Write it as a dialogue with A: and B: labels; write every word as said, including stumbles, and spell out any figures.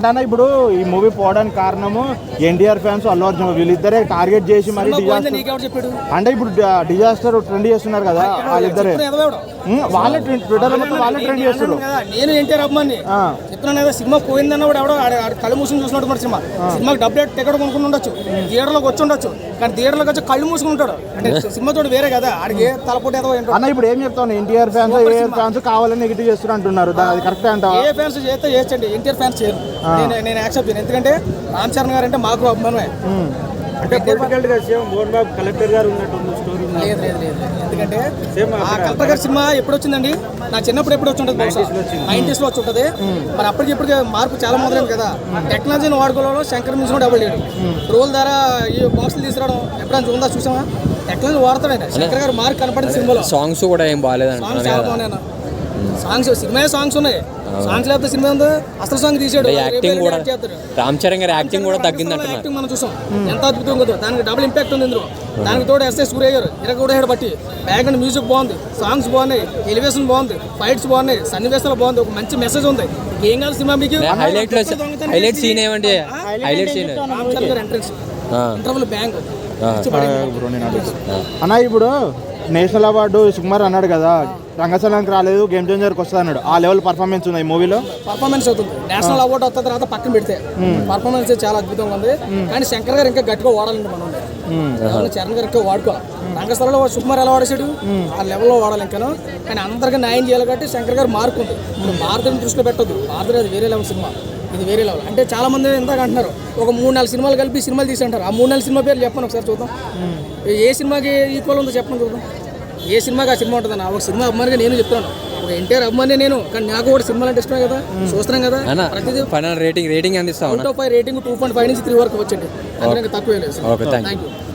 A: అంటే అన్న ఇప్పుడు ఈ మూవీ పోవడానికి కారణము ఎన్టీఆర్ ఫ్యాన్స్ అల్లు అర్జున్ వీళ్ళిద్దరే టార్గెట్ చేసి మరి డిజాస్టర్ అంటే ఇప్పుడు డిజాస్టర్ ట్రెండ్ చేస్తున్నారు కదా వాళ్ళిద్దరే వాళ్ళే ట్విట్టర్ మొత్తం వాళ్ళే ట్రెండ్ చేస్తారు.
B: నేను ఎన్టీఆర్ అభిమాని చెప్తున్నాను కదా, సినిమా పోయిందన్న కూడా ఎవడో కళ్ళు మూసుకుని చూసినట్టు మరి సినిమా సినిమాకి డబ్బులు టికెట్ కొనుక్కుని ఉండొచ్చు, థియేటర్లోకి వచ్చి ఉండొచ్చు, కానీ థియేటర్లోకి వచ్చి కళ్ళు మూసుకుంటాడు అంటే సినిమా తోడు వేరే కదా ఆడికి తలపోటీ ఏదో
A: అన్న. ఇప్పుడు ఏం చెప్తాను, ఎన్టీఆర్ ఫ్యాన్స్ ఏ ఫ్యాన్స్ కావాలని నెగిటివ్ చేస్తున్నారు అంటున్నారు, అది కరెక్టే అంట?
B: ఏ ఫ్యాన్స్ చేస్తే చేయొచ్చండి, ఎన్టీఆర్ ఫ్యాన్స్ చేయరు, నేను నేను యాక్సెప్ట్ చేయను. ఎందుకంటే రామ్ చరణ్ గారు అంటే మాకు అభిమానమే.
C: అంటే పొలిటికల్ గా సేమ్ మోహన్ బాబు కలెక్టర్ గారు ఉన్నట్టు స్టోరీ
B: లేదు లేదు లేదు ఎందుకంటే ఆ కలెక్టర్ గారి సినిమా ఎప్పుడు వచ్చిందండి, నా చిన్నప్పుడు ఎప్పుడు వచ్చి ఉంటుంది, నైన్టీస్ లో వచ్చి ఉంటుంది. మరి అప్పటికి ఇప్పటికే మార్పు చాలా మొదలైంది కదా. టెక్నాలజీని వాడుకోవడంలో శంకర్ మించి కూడా డబ్బులు లేడు. రోల్ ద్వారా ఈ బాక్సులు తీసుకురావడం ఎప్పుడైనా ఉందా చూసామా? టెక్నాలజీ వాడతాడండి శంకర్ గారు. మార్క్ కనపడింది సినిమాలో.
D: సాంగ్స్ కూడా ఏం బాగాలేదు,
B: సాంగ్స్ చాలా బాగున్నాయి. సాంగ్స్ సినిమా సాంగ్స్ ఉన్నాయి, సాంగ్స్ లేకపోతే సినిమా ఉందో అసలు సాంగ్ తీసాడు.
D: యాక్టింగ్ కూడా రామ్ చరణ్ గారి యాక్టింగ్ కూడా తగ్గింది అంటున్నారు.
B: యాక్టింగ్ మనం చూసాం ఎంత అద్భుతం కదా, దానికి డబుల్ ఇంపాక్ట్ ఉంది ఇందులో. దానికి తోడు ఎస్ఐ సూర్య గారు ఇరగ కూడా హెడ్ బట్టి బ్యాక్గ్రౌండ్ మ్యూజిక్ బాగుంది, సాంగ్స్ బాగున్నాయి, ఎలివేషన్ బాగుంది, ఫైట్స్ బాగున్నాయి, సన్నివేశాలు బాగుంది, ఒక మంచి మెసేజ్ ఉంది. ఏం కాదు సినిమా మీకు
D: హైలైట్ హైలైట్ సీన్ ఏమంటే హైలైట్ సీన్
B: రామ్ చరణ్ గారు ఎంట్రెన్స్ ఇంటర్వల్ బ్యాంక్
A: అన్న. ఇప్పుడు నేషనల్ అవార్డు సుకుమార్ అన్నాడు కదా, రంగస్థలానికి రాలేదు, గేమ్ చేంజర్కి వస్తుంది అన్నాడు. ఆ లెవెల్ పర్ఫార్మెన్స్ ఉంది ఈ మూవీలో.
B: పర్ఫార్మెన్స్ అవుతుంది. నేషనల్ అవార్డు వస్తున్న తర్వాత పక్కన పెడితే పర్ఫార్మెన్స్ చాలా అద్భుతంగా ఉంది. కానీ శంకర్ గారు ఇంకా గట్టిగా వాడాలండి మనం. చరణ్ గారు ఇంకా వాడుకోవాలి. రంగస్థలంలో సుకుమార్ ఎలా వాడేసాడు ఆ లెవెల్లో వాడాలి ఇంకాను. కానీ అందరికీ న్యాయం చేయాలి కాబట్టి శంకర్ గారు మార్క్ ఉంది. ఇప్పుడు భారతని దృష్టిలో పెట్టద్దు, భారత అది వేరే లెవెల్ సినిమా, ఇది వేరే లెవెల్. అంటే చాలా మంది ఎంతగా అంటున్నారు ఒక మూడు నాలుగు సినిమాలు కలిపి సినిమాలు తీసి అంటారు. ఆ మూడు నాలుగు సినిమా పేర్లు చెప్పండి ఒకసారి చూద్దాం. ఏ సినిమాకి ఈక్వల్ ఉందో చెప్పండి చూద్దాం. ఏ సినిమాకి ఆ సినిమా ఉంటుందన్న. ఒక సినిమా అభిమానిగా నేను చెప్తాను, ఒక ఎన్టీఆర్ అభిమాని నేను, కానీ నాకు కూడా సినిమాలు అంటే ఇష్టమే కదా, చూస్తున్నాం కదా. ప్రతిదీ
D: రేటింగ్ రేటింగ్ అందిస్తాం.
B: Out of five rating two point five నుంచి త్రీ వరకు వచ్చింది, అందుకే తక్కువ లేదు.
D: Thank you.